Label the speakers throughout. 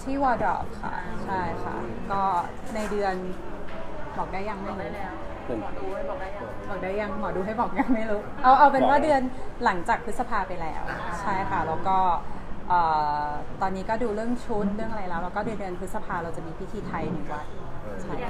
Speaker 1: ที่วอร์ดรอปค่ะใช่ค่ะก็ในเดือนบอกได้ยังไม่รู้
Speaker 2: หมอดูให้บอกได้ยัง
Speaker 1: บอกได้ยังหมอดูให้บอกยังไม่รู้เอาเป็นว่าเดือนหลังจากพฤษภาไปแล้วใช่ค่ะแล้วก็ตอนนี้ก็ดูเรื่องชุดเรื่องอะไรแล้วก็เดือนพฤษภาเราจะมีพิธีไทย1 วันใช่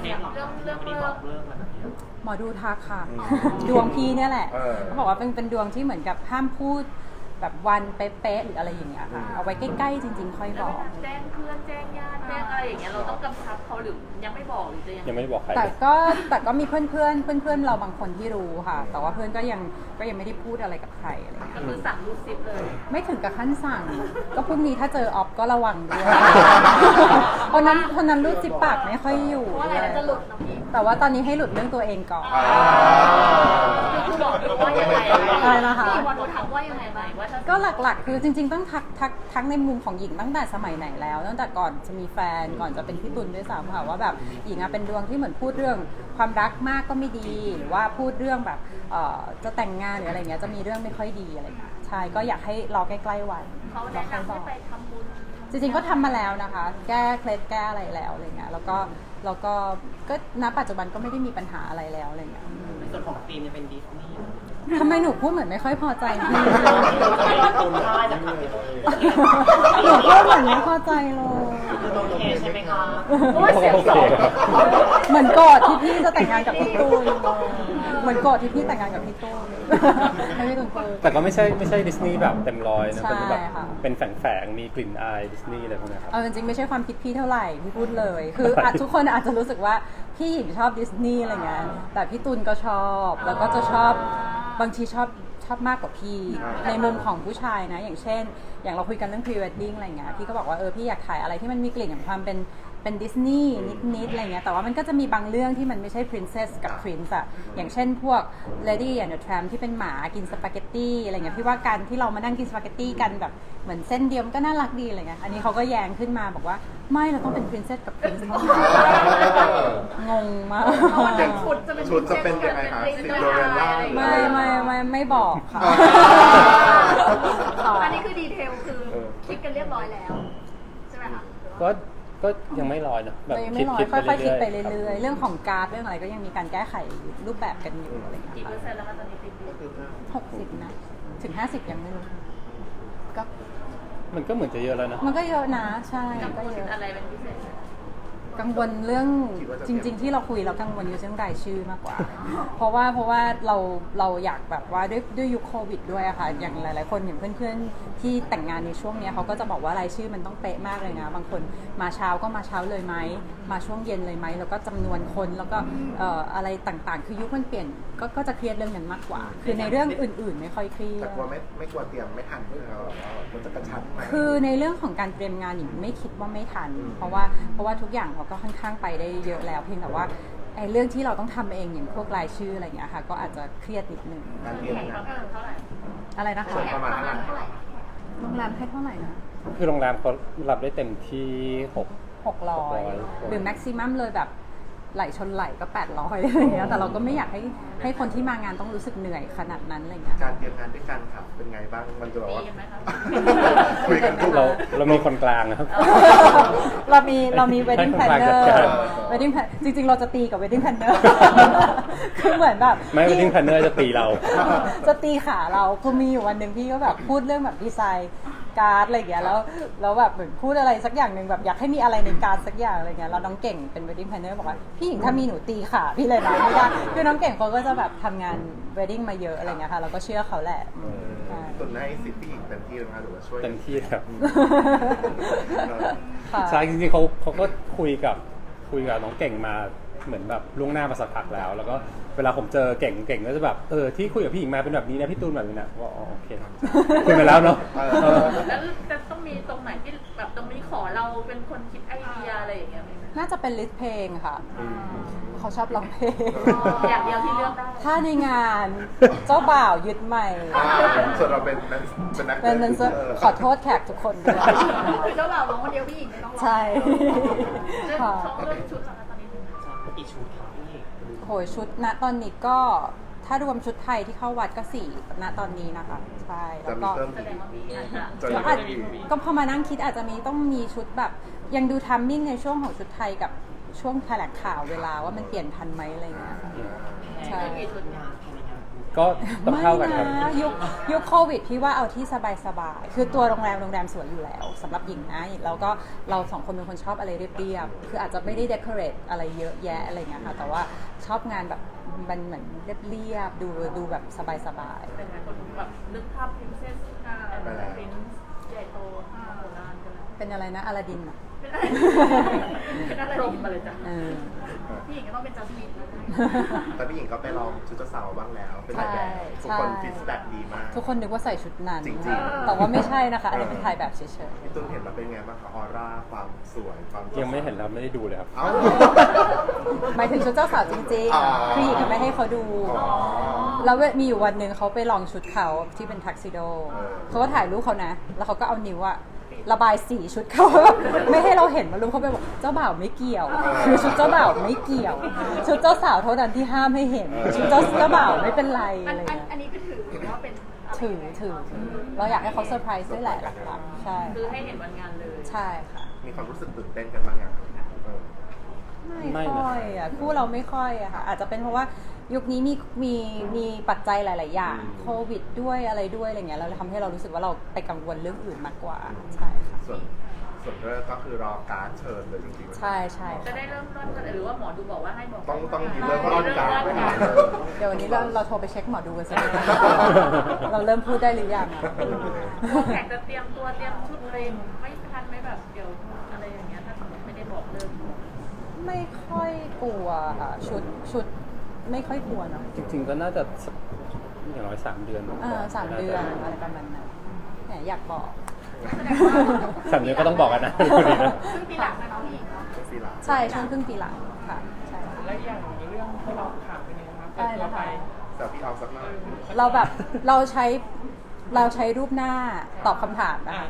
Speaker 1: หมอดูทักค่ะดวงพี่เนี่ยแหละเขาบอกว่าเป็นดวงที่เหมือนกับห้ามพูดแบบวันเป๊ะๆหรืออะไรอย่างเงี้ยค่ะเอาไว้ใกล้ๆจริงๆค่อยบอก
Speaker 2: แจ้งเพื่อนแจ้งญาติแจ้งอะไรอย่างเงี้ยเราต้องกำชับเขาหรือยังไม่บอกหรือจะ
Speaker 3: ยังไม่บอกใคร
Speaker 1: แต่ก็มีเพื่อนเราบางคนที่รู้ค่ะแต่ว่าเพื่อนก็ยังไม่ได้พูดอะไรกับใครอะไร
Speaker 2: ก็คือสั่งรูดซิปเลย
Speaker 1: ไม่ถึงกับขั้นสั่งก็พรุ่งนี้ถ้าเจอออฟก็ระวังด้วยคนนั้นรูดซิปปากไม่ค่อยอยู่
Speaker 2: เพราะอะไรจะหลุดนะพี่
Speaker 1: แต่ว่าตอนนี้ให้หลุดเรื่องตัวเองก่อน
Speaker 2: คือบอกว่ายังไง
Speaker 1: อะไรนะคะ
Speaker 2: พี่วันรู้ถามว่ายังไงบ้างว่า
Speaker 1: ก็หลักๆคือจริงๆต้องทักในมุมของหญิงตั้งแต่สมัยไหนแล้วตั้งแต่ก่อนจะมีแฟนก่อนจะเป็นพี่ตุลด้วยซ้ำค่ะว่าแบบหญิงเป็นดวงที่เหมือนพูดเรื่องความรักมากก็ไม่ดีหรือว่าพูดเรื่องแบบจะแต่งงานหรืออะไรเงี้ยจะมีเรื่องไม่ค่อยดีอะไรเงี้ยใช่ก็อยากให้รอใกล้ๆวัน
Speaker 2: เขาแนะนำให้ไปทำบุญ
Speaker 1: จริงๆก็ทำมาแล้วนะคะแก้เคล็ดแก้อะไรแล้วอะไรเงี้ยแล้วก็ณปัจจุบันก็ไม่ได้มีปัญหาอะไรแล้วอะไรเงี้ย
Speaker 4: ในส่วนของธีมจะเป็นดิสนีย์
Speaker 1: ทำไมหนูพูดเหมือนไม่ค่อยพอใจพี่หนูพูดเหมือนไม่พอใจเลย
Speaker 4: โอเคใช่ไหมคะ
Speaker 1: เหมือนโกรธที่พี่จะแต่งงานกับพี่ตูนเหมือนโกรธที่พี่แต่งงานกับพี่ตูนไม่ได้ตูนโกรธ
Speaker 3: แต่ก็ไม่ใช่ดิสนีย์แบบเต็มร้อยนะเป็นแบบเป็นแฝงมีกลิ่นอายดิสนีย์อะไรพวกนี้ครับ
Speaker 1: จริงๆไม่ใช่ความคิดพี่เท่าไหร่พี่พูดเลยคือทุกคนอาจจะรู้สึกว่าพี่หญิงชอบดิสนีย์อะไรเงี้ยแต่พี่ตูนก็ชอบแล้วก็จะชอบบางทีชอบมากกว่าพี่ในมุมของผู้ชายนะอย่างเช่นอย่างเราคุยกันเรื่อง pre wedding อะไรเงี้ยพี่ก็บอกว่าพี่อยากถ่ายอะไรที่มันมีกลิ่นของความเป็นดิสนีย์นิดๆอะไรเงี้ยแต่ว่ามันก็จะมีบางเรื่องที่มันไม่ใช่ princess กับ prince อะอย่างเช่นพวก lady and the tramp ที่เป็นหมากินสปาเกตตี้อะไรเงี้ยพี่ว่าการที่เรามานั่งกินสปาเกตตี้กันแบบเหมือนเส้นเดียวก็น่ารักดีอะไรเงี้ยอันนี้เขาก็แย้งขึ้นมาบอกว่าไม่เราต้องเป็น princess กับ prince เท่านั้นงงมาก
Speaker 5: ชุดจะเป็นยังไงคะซินโดเรลล่า
Speaker 1: ไม่บอกค่ะ
Speaker 2: อันนี้คือดีเทลคือคิดกันเรียบร้อยแล้วใช่ไหมคะ
Speaker 3: ก็ยังไม่ร้อยนะแบบ
Speaker 1: คิดค่อยๆคิดไปเรื่อยๆเรื่องของการ์ดเรื่องอะไรก็ยังมีการแก้ไขรูปแบบกันอยู่อะไรอย่างเงี้ย
Speaker 2: กี่เปอร์เซ็นต์แล้วคะตอนนี้
Speaker 1: 60นะถึง50ยังไม่รู้ก็
Speaker 3: มันก็เหมือนจะเยอะแล้วนะ
Speaker 1: มันก็เยอะนะใช่
Speaker 2: ก็เยอะอะไรเป็นพิเศษ
Speaker 1: กังวลเรื่องจริงๆที่เราคุยเรากังวลอยู่เรื่องรายชื่อมากกว่าเพราะว่าเราอยากแบบว่าด้วยยุคโควิดด้วยอะค่ะอย่างหลายๆคนอย่างเพื่อนๆที่แต่งงานในช่วงนี้เขาก็จะบอกว่ารายชื่อมันต้องเป๊ะมากเลยนะบางคนมาเช้าก็มาเช้าเลยไหมมาช่วงเย็นเลยไหมแล้วก็จำนวนคนแล้วก็อะไรต่างๆคือยุคมันเปลี่ยนก็จะเครียดเรื่องนั้นมากกว่าคือในเรื่องอื่นๆไม่ค่อยเครียด
Speaker 5: แต่กลัวไม่กลัวเตรียมไม่ทันด้วยเรามันจะกระชั้นไหม
Speaker 1: คือในเรื่องของการเตรียมงานหญิงไม่คิดว่าไม่ทันเพราะว่าทุกอย่างเราก็ค่อนข้างไปได้เยอะแล้วเพียงแต่ว่าไอ้เรื่องที่เราต้องทำเองอย่างพวกรายชื่ออะไรอย่างเงี้ยค่ะก็อาจจะเครียดนิดนึงอะไรนะคะ
Speaker 5: ประมาณเท่าไหร่
Speaker 1: โรงแรมให้เท่าไหร่นะ
Speaker 3: คือโรงแรมเขารับได้เต็มที่
Speaker 1: 600หรือแม็กซิมัมเลยแบบไหลชนไหลก็800อะไรอย่างเงี้ยแต่เราก็ไม่อยากให้คนที่มางานต้องรู้สึกเหนื่อยขนาดนั้นอะไรเงี้ย
Speaker 5: การเตรียมงานด้วยกันครับเป็นไงบ้างมันจะแบบว่าคุยกัน
Speaker 3: เรามีคนกลางนะครับ
Speaker 1: เรามี wedding planner wedding plan จริงๆเราจะตีกับ wedding planner คือเหมือนแบบ
Speaker 3: ไม่ wedding planner จะตีเรา
Speaker 1: จะตีขาเราคือมีอยู่วันหนึ่งพี่ก็แบบพูดเรื่องแบบดีไซน์การ์ดอะไรอย่างเงี้ยแล้วแบบเหมือนพูดอะไรสักอย่างหนึ่งแบบอยากให้มีอะไรในการ์ดสักอย่างอะไรเงี้ยเราน้องเก่งเป็น wedding planner บอกว่าพี่หญิงถ้ามีหนูตีขาพี่เลยนะไม่ได้คือน้องเก่งเขาก็จะแบบทำงาน wedding มาเยอะอะไรเงี้ยค่ะเราก็เชื่อเขาแหละ
Speaker 5: ตุนให้สิทธิ์พี่หญิงเต็มที่นะคะหรือว่าช่วย
Speaker 3: เต็มที่ครับใช่จริงๆเขาก็คุยกับน้องเก่งมาเหมือนแบบล่วงหน้ามาสักพักแล้วก็เวลาผมเจอเก่งก็จะแบบที่คุยกับพี่หญิงมาเป็นแบบนี้นะพี่ตูนแบบนี้นะว่าโอเคคุยไปแล้วเนาะ
Speaker 2: แล้วจะต้องมีตรงไหนที่แบบตรงนี้ขอเราเป็นคนคิดไอเดียอะไรอย่างเงี้ย
Speaker 1: น่าจะเป็นลิสต์เพลงค่ะเขาชอบร้องเพลง
Speaker 2: อย่างเดียวที่เลือกได้
Speaker 1: ถ้าในงานเจ้าบ่าวยึดใหม่
Speaker 5: ส่วนเราเป็นนัก
Speaker 1: ขอโทษแขกทุกคนด้วย
Speaker 2: เจ้าบ่าวร้องคนเดียวพี่หญิงไม่ต้องร้อง
Speaker 1: ใช่
Speaker 2: ค่ะเรื่องชุดตอนนี้
Speaker 4: กี่ชุดครับพี่
Speaker 1: โหยชุดณตอนนี้ก็ถ้ถ้ารวมชุดไทยที่เข้าวัดก็4ณตอนนี้นะคะใช่แล้
Speaker 5: จะ
Speaker 1: ว
Speaker 5: มี
Speaker 1: ก็
Speaker 5: เพิ่ม
Speaker 2: แส
Speaker 5: อีก
Speaker 2: ดงว่ามีอาจจะ
Speaker 5: จะ
Speaker 1: ก็
Speaker 5: มี
Speaker 1: อาจ
Speaker 5: เพิ่มอีก
Speaker 1: ก็พอมานั่งคิดอาจจะมีต้องมีชุดแบบ ยังดูทัมมิ่งในช่วงของชุดไทยกับช่วงแถลงข่าวเวลาว่ามันเปลี่ยนทันไหมอะไรอย่างเงี้ยค่ะ ใช่
Speaker 2: กี่ชุด
Speaker 4: งานภายในงาน
Speaker 3: ก็ต้องเข้ากันครับ
Speaker 1: ไม่นะยุคโควิดพี่ว่าเอาที่สบายๆคือตัวโรงแรมสวยอยู่แล้วสำหรับหญิงนะแล้วก็เราสองคนเป็นคนชอบอะไรเรียบๆคืออาจจะไม่ได้เดคอเรทอะไรเยอะแยะอะไรเงี้ยค่ะแต่ว่าชอบงานแบบมันเหมือนเรียบๆดูแบบสบาย
Speaker 2: เป็นไงคนแบบนึกภาพ princess พรินซ์ใหญ่โตโบราณกันเลย
Speaker 1: ๆเป็นอะไรนะอลาดินอ่ะ
Speaker 2: เป็นอะไรรมมาเลยจ้ะ
Speaker 1: เออ
Speaker 2: พี่หญิงก็ต้องเป็นจัสมิน
Speaker 5: แต่พี่หญิงก็ไปลองชุดเจ้าสาวบ้างแล้ว เป็นถ่ายแบบทุกคนฟีดแบ็กดีมาก
Speaker 1: ทุกคนนึกว่าใส่ชุดนั้น
Speaker 5: จริงๆ
Speaker 1: แต่ว่าไม่ใช่นะคะอันนี้เป็นถ่ายแบบเฉย
Speaker 5: พี่ตุ้นเห็นแล้วเป็นไงบ้างคะออร่าความสวยความ
Speaker 3: ยังไม่เห็นแล้วไม่ได้ดูเลยครับ
Speaker 5: เอ้า
Speaker 1: ๆหมายถึงชุดเจ้าสาวจริง
Speaker 5: อ๋อ
Speaker 1: ๆคือหญิงก็ไม่ให้เขาดู
Speaker 5: อ๋อ
Speaker 1: แล้วมีอยู่วันหนึ่งเขาไปลองชุดเขาที่เป็นทักซิโด
Speaker 5: เออ
Speaker 1: เขาก็ถ่ายรูปเขานะ แล้วเขาก็เอานิ้วอะระบายสีชุดเขา ไม่ให้เราเห็นมารูปเขาไปบอกเจ้าบ่าวไม่เกี่ยว คือชุดเจ้าบ่าวไม่เกี่ยว ชุดเจ้าสาวเท่านั้นที่ห้ามให้เห็น ชุดเจ้าบ่าวไม่เป็นไรอะไรเงี้ย
Speaker 2: อันนี้ก็ถือว่าเป็น
Speaker 1: ถือเราอยากให้เขาเซอร์ไพรส์ด้วยแหละหลักๆใช่
Speaker 2: คือให้เห็นวันงานเลย
Speaker 1: ใช่ค่ะ
Speaker 5: มีความรู้สึกตื่นเต้นกันบ้างยังเออ
Speaker 1: ไม่ค่อยอ่ะคู่เราไม่ค่อยอะค่ะอาจจะเป็นเพราะว่ายุคนี้มีปัจจัยหลาย ๆ อย่างโควิดด้วยอะไรด้วยอะไรเงี้ยเราเลยทำให้เรารู้สึกว่าเราไปกังวลเรื่องอื่นมากกว่าใช่ค่ะ
Speaker 5: ส่วนเลิกก็คือรอการ์ดเชิญเลยจริงๆ
Speaker 1: ใช่ใช่
Speaker 2: จะได้เริ่มต้นกันหรือว่าหมอดูบอกว่าให้บอก
Speaker 5: ต้องมีเริ่มต้นการ์ดไว้ก่อนเลย
Speaker 1: เดี๋ยววันนี้เราโทรไปเช็คหมอดูกันสักหน่อยเราเริ่มพูดได้หรือยังอะ
Speaker 2: แขกจะเตรียมตัวเตรียมชุดอะไรไม่ทันไม่แบบเดี๋ยวอะไรอย่างเงี้ยถ้าสมมติไม่ได้บอกเริ่ม
Speaker 1: ไม่ค่อยกลัวค่ะชุดไม่ค่อยกลัวเนาะ
Speaker 3: จริงๆก็น่าจะสักอย่างน้อย3 เดือน
Speaker 1: 3 เดือนอะไรประมาณนั้นแหมอยากบอก
Speaker 2: แสดงว่า
Speaker 3: 3 เดือนก็ต้องบอกกันนะ
Speaker 2: ครึ่งปีหลังนะน้องพี่
Speaker 5: สีหลัง
Speaker 1: ใช่ช่วงครึ่งปีหลังค่ะใช่ค่ะ
Speaker 4: แล้วอย่างเรื่องที่เราถามเป็นยังไงครับ
Speaker 1: ได้แล้วค่ะ
Speaker 5: แต่พี่เอาสักหน่อย
Speaker 1: เราแบบเราใช้รูปหน้าตอบคำถามนะคะ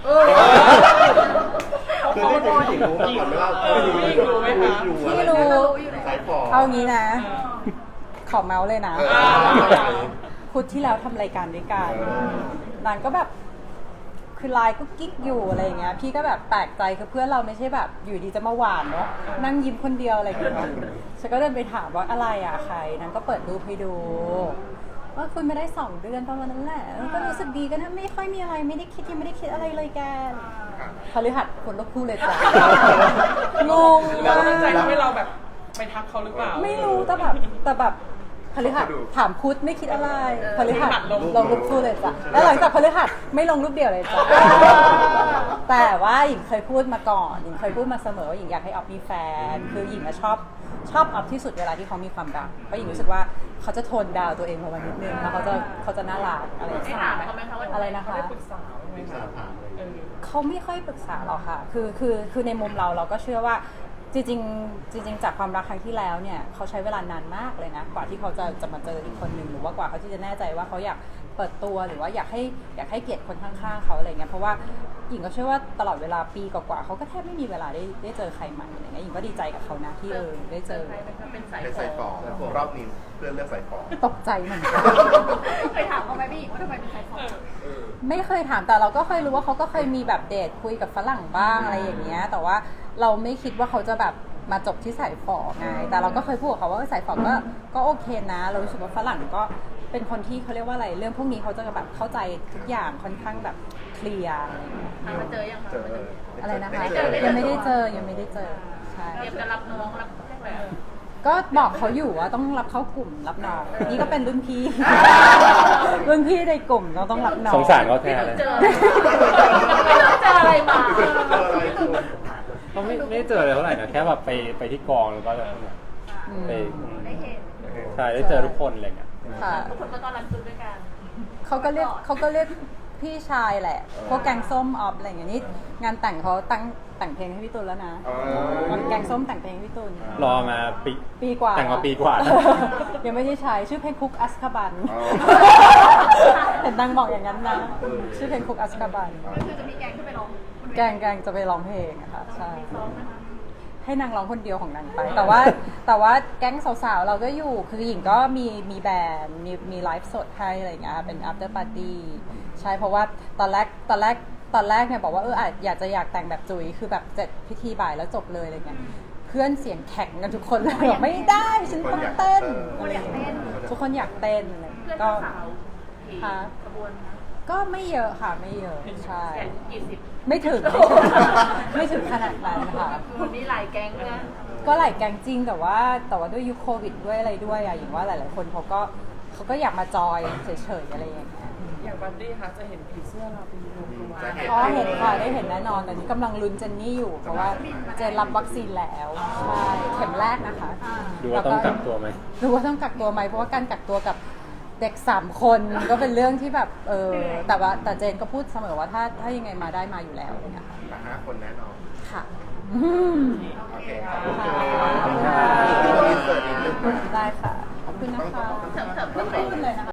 Speaker 5: คือที่จริงพี่หญิงรู้มาก่อนไหมล่ะ
Speaker 4: พี่รู้ไหมคะ
Speaker 1: พี่รู้
Speaker 5: สายฝอ
Speaker 1: เอางี้นะ ขอเมาส์เลยนะ
Speaker 5: เออ
Speaker 1: พุธที่แล้วทำรายการด้วยกัน
Speaker 5: เออ
Speaker 1: นางก็แบบคือไลน์ก็กิ๊กอยู่อะไรอย่างเงี้ยพี่ก็แบบแปลกใจคือเพื่อนเราไม่ใช่แบบอยู่ดีจะมาหวานเนาะนั่งยิ้มคนเดียวอะไรอย่างเงี้ยฉันก็เดินไปถามว่าอะไรอะใครนางก็เปิดรูปให้ดู ว่าคุยไม่ได้2 เดือนประมาณนั้นแหละก็รู้สึกดีกันนะไม่ค่อยมีอะไรไม่ได้คิดยังไม่ได้คิดอะไรเลยแกพฤหัสคนละคู่เลยจ้ะงง
Speaker 4: แล้ว
Speaker 1: มา
Speaker 4: ตั้งใจ
Speaker 1: ก
Speaker 4: ทำให้เราแบบไปทักเขาหรือเปล่า
Speaker 1: ไม่รู้แต่แบบพฤหัสถามพุธไม่คิดอะไรพฤหัสลงรูปคู่เลยจ้ะแล้วหลังจากพฤหัสไม่ลงรูปเดียวเลยจ้ะแต่ว่าหญิงเคยพูดมาก่อนหญิงเคยพูดมาเสมอว่าหญิงอยากให้ออฟมีแฟนคือหญิงอะชอบออฟที่สุดเวลาที่เขามีความรักเพราะหญิงรู้สึกว่าเขาจะโทนดาวตัวเองลงมานิดนึงแล้วเขาจะน่ารักอะไรอย่าง
Speaker 2: ได้
Speaker 1: เงี้ย
Speaker 2: ถามเขาไหมคะว่า
Speaker 1: อะไรนะคะ
Speaker 4: ได้ปรึกษาไหมคะ
Speaker 1: เขาไม่ค่อยปรึกษาหรอกค่ะ คือในมุมเราก็เชื่อว่าจริงจากความรักครั้งที่แล้วเนี่ยเขาใช้เวลานานมากเลยนะกว่าที่เขาจะมาเจออีกคนหนึ่งหรือว่ากว่าเขาที่จะแน่ใจว่าเขาอยากเปิดตัวหรือว่าอยากให้เกียรติคนข้างๆเขาอะไรเงี้ยเพราะว่าหญิงก็เชื่อว่าตลอดเวลาปีกว่าๆเขาก็แทบไม่มีเวลาได้เจอใครใหม่อะไรเงี้ยหญิงก็ดีใจกับเขานะที่ได้เจอ
Speaker 2: เป็นสาย
Speaker 5: เป็นสายฝอรอบนี้เพื่อนเลือกสายฝอ
Speaker 1: ตกใจเหมือนกัน
Speaker 2: เคยถามเขาไหมพี่ว่าทำไมเป็นสายฝอ
Speaker 1: ไม่เคยถามแต่เราก็เคยรู้ว่าเขาก็เคยมีแบบเดทคุยกับฝรั่งบ้างอะไรอย่างเงี้ยแต่ว่าเราไม่คิดว่าเขาจะแบบมาจบที่สายฝอไงแต่เราก็เคยพูดกับเขาว่าสายฝอก็โอเคนะ เรารู้สึกว่าฝรั่งก็เป็นคนที่เขาเรียกว่าอะไรเรื่องพวกนี้เขาจะแบบเข้าใจทุกอย่างค่อนข้างแบบเคลียร์อะไรอย่างเงี้ย
Speaker 2: มาเจอยังคะ
Speaker 5: เจอ
Speaker 1: อะไรนะคะ
Speaker 2: ไม่เจอ
Speaker 1: ยังไม่ได้เจอใช่
Speaker 2: เตรียมจะรับน้องรับเรียกอะไร
Speaker 1: ก็บอกเขาอยู่ว่าต้องรับเข้ากลุ่มรับน้องนี่ก็เป็นรุ่นพี่ รุ่นพี่ในกลุ่มเราต้องรับน้อง
Speaker 3: สงสารเขาแทนเลย
Speaker 2: เจออะไรมา
Speaker 3: เขาไม่ได้เจออะไรเท่าไหร่นะแค่แบบไปที่กองแล้วก็ไป
Speaker 2: ได้เห็น
Speaker 3: ใช่ได้เจอทุกคนอะไรเงี้ย
Speaker 1: ค่ะ
Speaker 2: ทุกคนก็ต้อนรับจุดด้วยกัน
Speaker 1: เขาก็เรียกพี่ชายแหละพวกแกงส้มออฟอะไรอย่างเงี้ยนี่งานแต่งเขาแต่งเพลงให้พี่ตุลแล้วนะแกงส้มแต่งเพลงให้พี่ตุล
Speaker 3: รอมา
Speaker 1: ปีกว่า
Speaker 3: แต่งมาปีกว่าแล้ว
Speaker 1: ยังไม่ได้ใช้ชื่อเพลงคุกอัสคาบันเห็นนางบอกอย่างนั้นนะชื่อเพลงคุกอัสคาบัน
Speaker 2: ก็คือจะมีแกงขึ้นไปร้อง
Speaker 1: แกงจะไปร้องเพลงอะค่ะใช่
Speaker 2: ซ้อมนะคะ
Speaker 1: ให้นางร้องคนเดียวของนางไป แต่ว่าแก๊งสาวๆเราก็อยู่คือหญิงก็มีแบรนด์มีไลฟ์สดให้อะไรอย่างเงี้ยเป็น after party ใช่เพราะว่าตอนแรกเนี่ยบอกว่าอยากแต่งแบบจุ๋ยคือแบบเสร็จพิธีบ่ายแล้วจบเลยอะไรเงี้ยเพื่อนเสียงแข็งกันทุกคนเลยบอกไม่ได้ฉันต้องเต้น
Speaker 2: คนอยากเต้น
Speaker 1: ทุกคนอยากเต้นอะไร
Speaker 2: เพื่อน
Speaker 1: ก็
Speaker 2: สาวกี่
Speaker 1: ค่ะ
Speaker 2: ขบวนนะ
Speaker 1: ก็ไม่เยอะค่ะไม่เยอะใช่
Speaker 2: แข่งกี่สิบ
Speaker 1: ไม่ถึงไม่ถึงขนาดนั้นค่ะ
Speaker 2: วันนี้หลายแก๊งนะ
Speaker 1: ก็หลายแกงจริงแต่ว่าด้วยยุคโควิดด้วยอะไรด้วยอะอย่างว่าหลายๆคนเขาก็อยากมาจอยเฉยๆอะไรอย่างเงี้ย
Speaker 4: อย่างบัดดี้คะจะเห็นผีเสื้อเราเป็นรวมตัว
Speaker 5: จะเห็น
Speaker 1: อ๋อเห็นค่ะได้เห็นแน่นอนแต่นี้กำลังลุ้นเจนนี่อยู่เพราะว่าเจนรับวัคซีนแล้วใช่เข็มแรกนะคะ
Speaker 3: ดูว่าต้องกักตัวไหม
Speaker 1: ดูว่าต้องกักตัวไหมเพราะว่าการกักตัวกับเด็ก3 คนก็เป็นเรื่องที่แบบแต่เจนก็พูดเสมอว่าถ้ายังไงมาได้มาอยู่แล้วเนี่ยค่ะ
Speaker 5: แต่5 คนแน่นอน
Speaker 1: ค่ะ
Speaker 5: โอเคขอบคุณ
Speaker 1: ค่ะ
Speaker 5: ค่ะอินเสิร์ตนิดนึง
Speaker 1: ได้ค่ะขอบคุณนะคะ
Speaker 2: เถิบๆ
Speaker 1: ไม่
Speaker 2: เข้าไป
Speaker 1: พูดเลยนะคะ